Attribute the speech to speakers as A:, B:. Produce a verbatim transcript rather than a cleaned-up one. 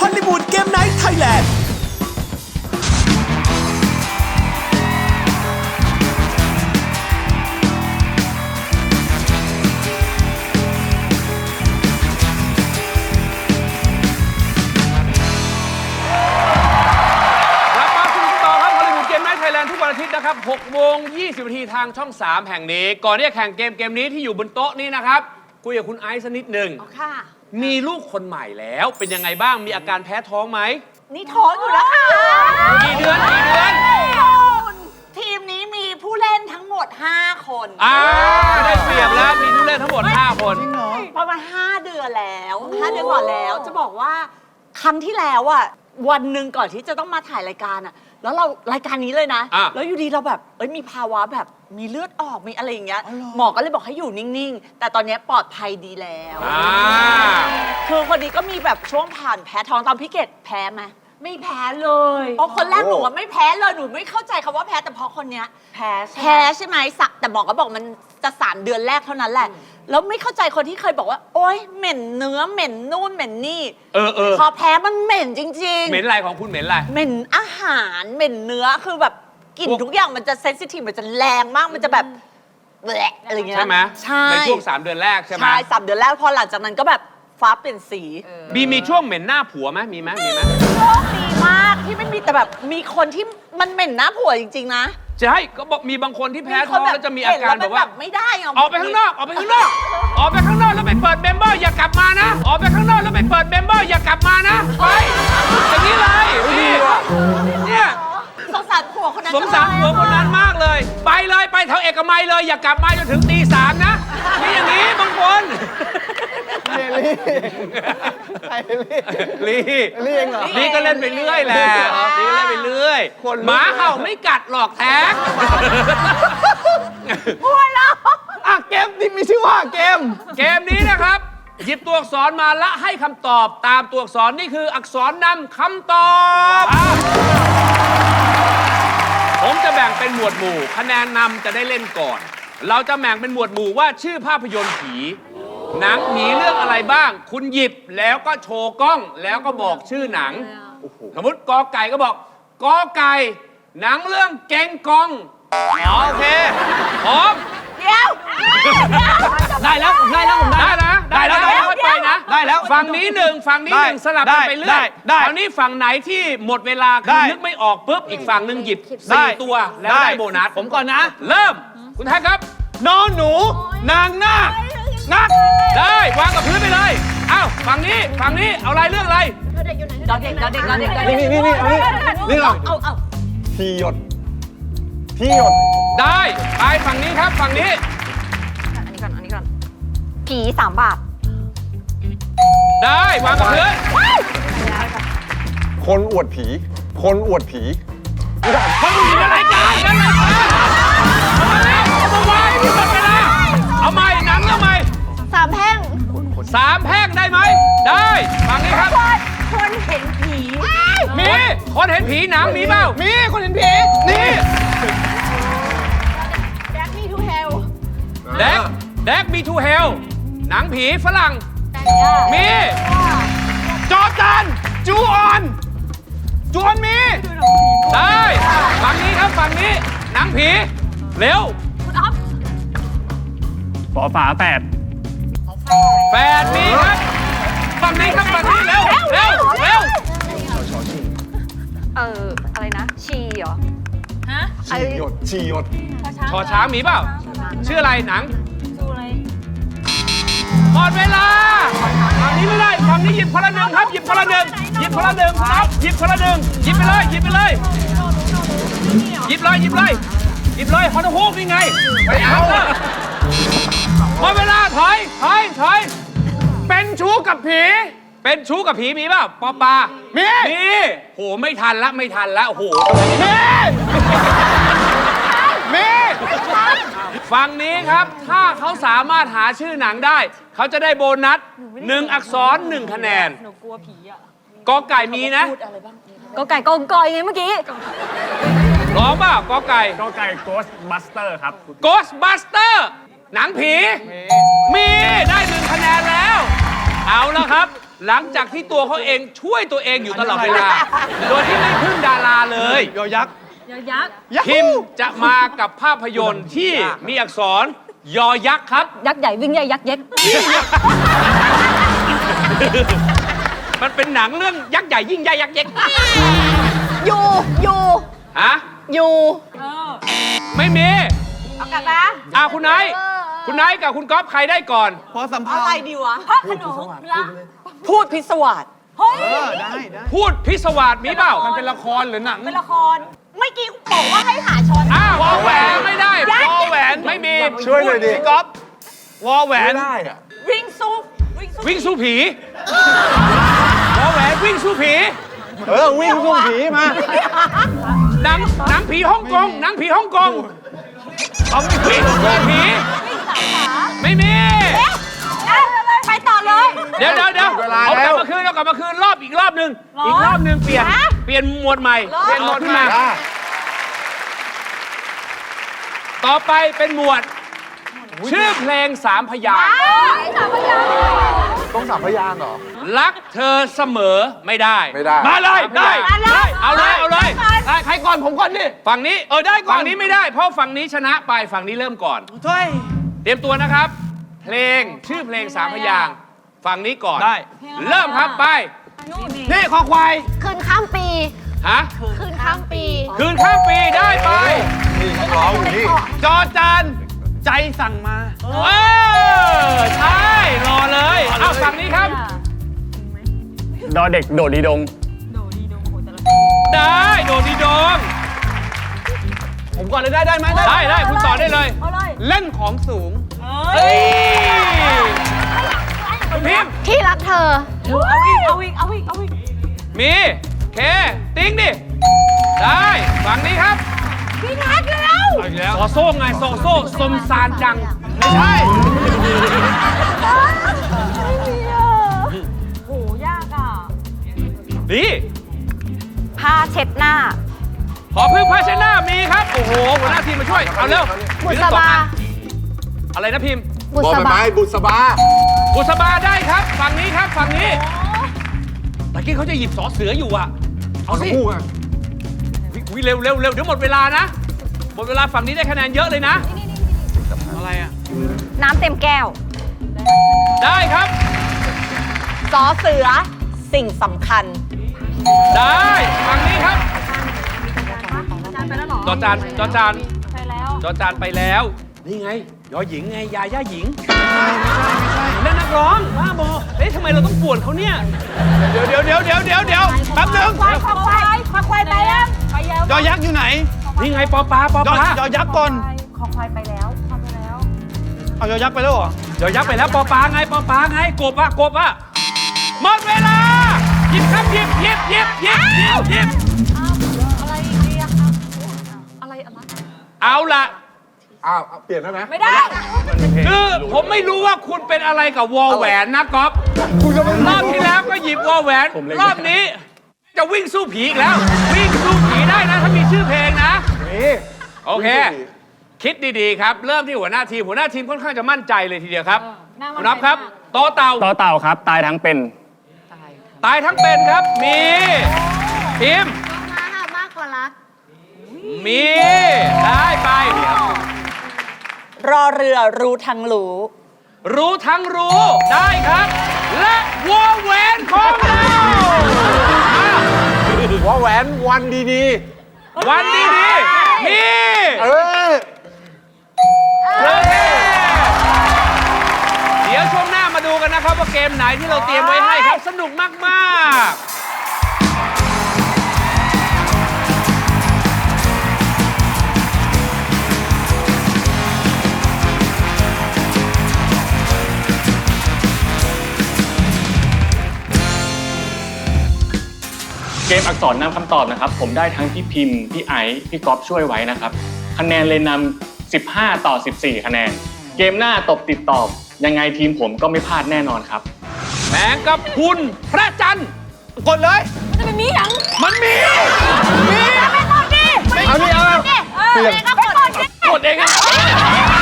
A: อลลีวูดเกมไนท์ไทยแลนด์
B: ทุกวันอาทิตย์นะครับหกโมงยี่สิบนาทีทางช่องสามแห่งนี้ก่อนที่จะแข่งเกมเกมนี้ที่อยู่บนโต๊ะนี้นะครับคุยกับคุณไอซ์สักนิดหนึ่งค่ะมีลูกคนใหม่แล้วเป็นยังไงบ้างมีอาการแพ้ท้องไหม
C: นี่ท้องอยู่แล้วค่ะ
B: กี่เดือนกี่เดือน
C: ทีมนี้มีผู้เล่นทั้งหมดห้าคน
B: อ่าได้เปรียบแล้วมีผู้เล่นทั้งหมดห้าคน
C: ประมาณห้าเดือนแล้วห้าเดือนก่อนแล้วจะบอกว่าครั้งที่แล้วอ่ะวันหนึ่งก่อนที่จะต้องมาถ่ายรายการอ่ะแล้วเรารายการนี้เลยนะแล้วอยู่ดีเราแบบเอ้ยมีภาวะแบบมีเลือดออกมีอะไรอย่างเงี้ยหมอก็เลยบอกให้อยู่นิ่งๆแต่ตอนนี้ปลอดภัยดีแล้วคือคนนี้ก็มีแบบช่วงผ่านแพ้ท้องตอนพี่เกดแพ้ไหมไม่แพ้เลยเพราะคนแรกหนูว่าไม่แพ้เลยหนูไม่เข้าใจคำว่าแพ้แต่พอคนเนี้ยแพ้แพ้ใช่ไหมแต่หมอก็บอกมันจะสามเดือนแรกเท่านั้นแหละแล้วไม่เข้าใจคนที่เคยบอกว่าโอ๊ยเหม็นเนื้อเหม็นนู่นเหม็นนี่
B: เออเออ
C: พอแพ้มันเหม็นจริงๆ
B: เหม็นอะไรของคุณเหม็นอะไร
C: เหม็นอาหารเหม็นเนื้อคือแบบกลิ่นทุกอย่างมันจะเซนซิทีฟมันจะแรงมากมันจะแบบแหละอะไรเงี้ย
B: ใช่ไหม
C: ใช่
B: ในช่วงสามเดือนแรกใช่ไหม
C: ใช่สามเดือนแรกพอหลังจากนั้นก็แบบฟ้าเปลี่ยนสี
B: มีมีช่วงเหม็นหน้าผัวไหมมีไหมมีไหม
C: โชคดีมากที่ไม่มีแต่แบบมีคนที่มันเหม็นหน้าผัวจริงๆนะ
B: ใช่ก็บอกมีบางคนที่แพ้ท้องแล้วจะมีอาการแบบว่า
C: ไม่ได้
B: ออกไปข้างนอกออกไปข้างนอกออกไปข้างนอกแล้วไปเปิดเมมเบอร์อย่ากลับมานะออกไปข้างนอกแล้วไปเปิดเมมเบอร์อย่ากลับมานะไปอย่างนี้เลยนี่เนี่ย
C: สงสารผัวคนนั้น
B: สงสารผัวคนนั้นมากเลยไปเลยไปแถวเอกมัยเลยอย่ากลับมาจนถึงตีสามนะนี่อย่างนี้บางคนลีลีลีเองเหรอลีก็เล่นไปเรื่อยแหละลีก็เล่นไปเรื่อยหมาเห่าไม่กัดหรอกแท็ก
C: พูดแล้ว
D: อ่ะเกมที่มีชื่อว่าเกม
B: เกมนี้นะครับหยิบตัวอักษรมาและให้คำตอบตามตัวอักษรนี่คืออักษรนำคำตอบผมจะแบ่งเป็นหมวดหมู่คะแนนนำจะได้เล่นก่อนเราจะแบ่งเป็นหมวดหมู่ว่าชื่อภาพยนตร์ผีหนังผีเรื่องอะไรบ้างคุณหยิบแล้วก็โชว์กล้องแล้วก็บอกชื่อหนังสมมติกอไก่ก็บอกกอไก่หนังเรื่องเก่งกองโอเคพร้อม
C: เดี๋ยว
D: ได้แล้วผมได้แล้วผม
B: ได้นะได้แล้วค่อยไปนะ
D: ได้แล้ว
B: ฝั่งนี้หนึ่งฝั่งนี้หนึ่งสลับกันไปเรื่อยคราวนี้ฝั่งไหนที่หมดเวลาคือนึกไม่ออกปุ๊บอีกฝั่งหนึ่งหยิบสี่ตัวแล้วได้โบนัส
D: ผมก่อนนะ
B: เริ่มคุณแท็กครับ
D: นอนหนูนางนาคนัก
B: ได้วางกับพื้นไปเลยอ้าวฝั่งนี้ฝั่งนี้เอาอะไรเรื่องอะไร
C: ดอเด็กดอเด็กดอเด็ก
D: นี่นี่นี่นี่นี่หรอ
C: เอาเอา
D: ทีหยดทีหยด
B: ได้ไปฝั่งนี้ครับฝั่งนี้
C: อันนี้ก่อนอันนี้ก่อนผีสามบาท
B: ได้วางกับพื้น
D: คนอวดผีคนอวดผี
B: คนอวดอะไรกันอะไรกันเอามาแล้วเอามาวางที่หมดเวลาเอาใหม่หนังเอาใหม่
C: สามแพ่ง
B: สามแพร่งได้ไหมได้ฝั่งนี้ครับ
C: คนเห็นผี
B: มีคนเห็นผีหนังมีเปล่า
D: มีคนเห็นผี
B: นี่
C: แดกมีทูเฮล
B: แดกแดกมีทูเฮลหนังผีฝรั่งมีจอจานจูออนจูออนมีได้ฝั่งนี้ครับฝั่งนี้หนังผีเร็ว
C: คุณอ๊อฟ
D: ปอฝาแปด
B: แปดมีครับฝั่งนี้ครับฝั่งนี้เร็วเร็วเร็ว
C: เอออะไรนะชีเหรอ
D: ฮะชีหยดชีหยด
B: ชอช้างมีเปล่าชื่ออะไรหนัง
C: ชื่ออะไร
B: หมดเวลาฝั่งนี้ไม่ได้ฝั่งนี้หยิบคนละหนึ่งครับหยิบคนละหนึ่งหยิบคนละหนึ่งครับหยิบคนละหนึ่งหยิบไปเลยหยิบไปเลยหยิบเลยหยิบเลยหยิบเลยฮอนฮูกนี่ไงไปเอาหมดเวลาถอยถอยถอยเป็นชู้กับผีเป็นชู้กับผีมีเปล่าปอปา
D: มี
B: มีโหไม่ทันละไม่ทันละโอ้โห
D: มีมี
B: ฝั่งนี้ครับถ้าเขาสามารถหาชื่อหนังได้เขาจะได้โบนัสหนึ่งอักษรหนึ่งคะแนน
C: หนูกลัวผีอ่ะ
B: กอไก่มีนะ
C: กอไก่กองกอยไงเมื่อกี้
B: ร้องเปล่ากอไก่
D: กอไก่ Ghostbuster ครับ
B: Ghostbuster หนังผีมีได้หนึ่งคะแนนแล้วเอาละครับหลังจากที่ตัวเขาเองช่วยตัวเองอยู่ตลอดเวลา โดยที่ไม่พึ่งดาราเลย
D: ยอยักษ์
E: ยักษ์
B: พิมพ์จะมากับภาพยนตร์ที่มีอักษรยอยักษ์ครับ
E: ยักษ์ใหญ่วิ่งใหญ่ยักษ์เย็ก
B: มันเป็นหนังเรื่องยักษ์ใหญ่ยิ่งใหญ่ยักษ์เย็ก
C: อยู่อยู่
B: ฮะ
C: อยู่
B: ไม่มี
C: เอากลับมา
B: อ่าคุณไนท์คุณไนท์กับคุณก๊อฟใครได้ก่อน
D: พอสัมภา
C: อะไร
D: ษณ์
C: ดีวะ
E: พระขนงละ
C: พูดพิศวาส
E: เฮ้ย
D: เออได้ได้
B: พูดพิศวาสมีเปล่า
D: มันเป็นละครหรือหนัง
E: เป็นละคร
C: เมื่อกี้บอกว่าให้หาช้อน
B: อ้าววอแหวนไม่ได้วอแหวนไม่มี
D: ช่วยหน่อยดิพี่ก๊อฟวอแหวน
F: ได้อะ
C: วิ่งสู้วิ่งสู้
B: วิ่งสู้ผีวอแหวนวิ่งสู้ผี
D: เออวิ่งสู้ผีมา
B: หนังหนังผีฮ่องกงหนังผีฮ่องกงเอาวิ่งสู้ผีไม่มี
C: ไปต่อเลย
B: เดี๋ยวเดี๋ยวเดี๋ยว
F: เวลา
B: เอาก
F: แล้
B: ลับ
F: ว
B: มาคืนเอากลับมาคืนรอบอีกรอบหนึ่งอีกรอบหนึ่งเปลี่ยนเปลี่ยนหมวดใหม่เปลี่ยนหมวดขึ้นมา
F: ได้
B: ต่อไปเป็นหมวด ชื่อเพลงสามพยางค์
F: ต้องสามพยางค์เหรอ
B: รักเธอเสมอไม่ได้
F: ไม่ได้
B: มาเลยได้ได้เอาเลยเอาเลย
D: ได้ใครก่อนผมก่อนดิ
B: ฝั่งนี้เออได้ก่อนฝั่งนี้ไม่ได้ เพราะฝั่งนี้ชนะไปฝั่งนี้เริ่มก่อน
D: ช่วย
B: เตรียมตัวนะครับ เพลงชื่อเพลงสามพยางค์ฝั่งนี้ก่อน
D: ได้
B: เริ่มครับไป
D: นี่คอควาย
E: คืนข้ามปี
B: ฮะ
E: คืนข้ามปี
B: คืนข้ามปีได้ไป
F: นี่นักร้องอยู่นี่
B: จอจาน
D: ใจสั่งมา
B: เออใช่รอเลยเอาฝั่งนี้ครับ
D: ดอเด็กโดดดีดง
B: ได้โดดีโดง
D: ผมก่อนเลยได้ได้ไหม
B: ได้ได้คุณต่อได้เลย
E: เอาเลย
D: เล่นของสูง
B: เฮ้ยคุณพิมพ์
E: ที่รักเธอ
C: เอาอีกเอาอีกเอาอีกเอาอีก
B: มีเคติ้งดิได้ฝั่งนี้ครับ
E: พี่นัทแล้ว
B: เอาอีกแล้วโซโซ่ไงโซโซ่สมซานจังไม่ใช่
E: โหยากอ่ะ
B: นี่
E: ผ้าเช็ดหน้า
B: ขอพึ่งพาชนะมีครับโอ้โหหัวหน้าทีมมาช่วยเอาเร็ว
E: บุษบา
B: อะไรนะพิมพ์
E: บุ
F: บอ
E: ษ
F: ใบ
E: บา
F: ไม้บุษบา
B: บุษบาได้ครับฝั่งนี้ครับฝั่งนี้ตะกี้เขาจะหยิบสอเสืออยู่อ่ะเอาสิ
F: คู่อ่ะ
B: วิเร็วเร็วเร็วเดี๋ยวหมดเวลานะหมดเวลาฝั่งนี้ได้คะแนนเยอะเลยนะ
D: อะไรอ่ะ
E: น้ำเต็มแก้ว
B: ได้ครับ
C: สอเสือสิ่งสำคัญ
B: ได้ฝั่งนี้ครับ
E: จานไปแล้วหรอ
B: จอจานจอจาน
E: ไปแล้ว
B: จอจานไปแล้ว นี่ไงยอหญิงไงยาย่าหญิงนั่นนักร้องบ้าบอเอ๊ะทำไมเราต้องป่วนเขาเนี่ยเดี๋ยวเดี๋ยวเดี๋ยวเดี๋ยวเดี๋ยวเดี๋ยวแป๊บนึง
E: ควายควายควายควายควายไปยังไปแล้ว
D: ยอยักษ์อยู่ไหน
B: นี่ไงปอปลาปอย
D: อ
B: ปลาย
D: อยักษ์ก่อน
E: ขอควายไปแล้วควายไปแล้ว
D: เอายอยักษ์ไปแล้วเหรอ
B: ยอยักษ์ไปแล้วปอปลาไงปอปลาไงกบอะกบอะหมดเวลาหยิบครับหยิบหยิบหยิบหยิบหยิบหยิบ
E: อะไรอีกดีอะครับอะไรอะไร
B: เอาละ
F: อ้าวเอาเปลี่ยนได้ไหม
E: ไม่ได้
B: คือผมไม่รู้ว่าคุณเป็นอะไรกับวอลแหวนนะก๊อฟ
F: คุณจะไม่
B: รอบที่แล้วก็หยิบวอลแหวน รอบนี้ จะวิ่งสู้ผีอีกแล้ว วิ่งสู้ผีได้นะถ้ามีชื่อเพลงนะ
F: นี่
B: โอเค คิดดีๆครับ เริ่มที่หัวหน้าทีม หัวหน้าทีมค่อนข้างจะมั่นใจเลยทีเดียวครับคุณนับครับโตเต่า
D: ต่อเต่าครับ ตายทั้งเป็น
B: ตายทั้งเป็นครับ มีทีม
E: มาหามากกว่ารัก
B: มี ได้ไป
C: รอเรือรู้ทั้งรู้
B: รู้ทั้งรู้ได้ครับ และวอลแหวนของเรา
F: หัวแหวนวันดี
B: วันดีๆมี
F: ๆ เออ
B: โอเคเดี๋ยวช่วงหน้ามาดูกันนะครับว่าเกมไหนที่เราเตรียมไว้ให้ครับ สนุกมากๆ
G: เกมอักษรนำคำตอบนะครับ ผมได้ทั้งพี่พิมพ์ พี่ไอซ์พี่ก๊อฟช่วยไว้นะครับ คะแนนเลยนำสิบห้าต่อสิบสี่คะแนน เกมหน้าตบติดตอบ ยังไงทีมผมก็ไม่พลาดแน่นอนครับ
B: แมงกับคุณพระจันทร์
D: กดเลย
E: มันจะเป็นมีหยัง
B: มันมี
E: ไม่กดดิ
F: เอานี่เอา
E: เออไม่ก็กดดิ
B: กดเองอะ